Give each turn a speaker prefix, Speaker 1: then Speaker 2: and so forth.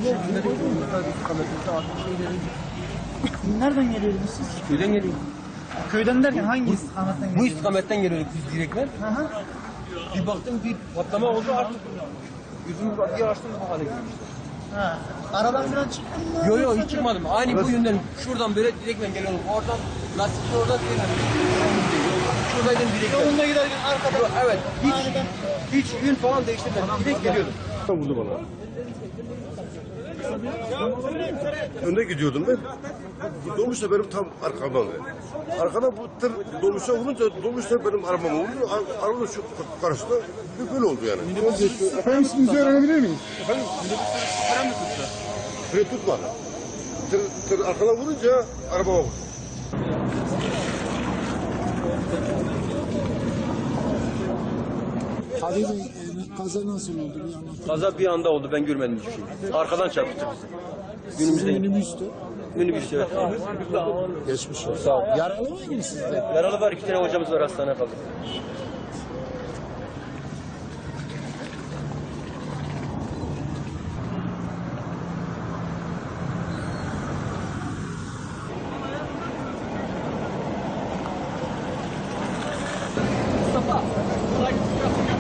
Speaker 1: şeklinde de istikametinde artık şeyleri.
Speaker 2: Nereden geliyordunuz siz?
Speaker 1: Köyden geliyor.
Speaker 2: Köyden derken hangi istikametten
Speaker 1: Bu
Speaker 2: geliyordunuz?
Speaker 1: istikametten geliyorduk biz direktmen.
Speaker 2: Hı hı.
Speaker 1: Bir baktım bir patlama oldu artık. Gözümü bir açtım bu hale gelmişti.
Speaker 2: Ha. Aradan falan çıktın mı?
Speaker 1: Yo yo hiç çıkmadım. Aynı bu yönden şuradan böyle direktmen geliyordum. Oradan lastikli oradan direktmen. Şuradaydım direktmen.
Speaker 2: Yolunda giderken arkadan.
Speaker 1: Evet.
Speaker 2: Aniden.
Speaker 1: Hiç yön falan değiştirmedim. Direkt geliyordum.
Speaker 3: Vurdu bana. Önde gidiyordum ben. Dolmuş da benim tam arkamdan. Arkadan bu tır dolmuşa vurunca dolmuş da benim arabama vurdu. Araba şu karşısında böyle oldu yani.
Speaker 4: Efendim isminizi öğrenebilir miyiz?
Speaker 3: Efendim? Fren mi tuttu? Fren tutmadı. Tır arkadan vurunca arabama vurdu.
Speaker 4: Kadir Bey, kaza nasıl oldu bir anlatın.
Speaker 1: Kaza bir anda oldu. Ben görmedim hiçbir şey. Arkadan çarptı bizi. Günümüzde
Speaker 4: Minibüstü.
Speaker 1: minibüs evet.
Speaker 4: Geçmiş olsun.
Speaker 1: Sağ ol.
Speaker 4: Yaralı mıydınız siz de?
Speaker 1: Yaralı var. 2 tane hocamız var. Hastaneye kaldık. Mustafa.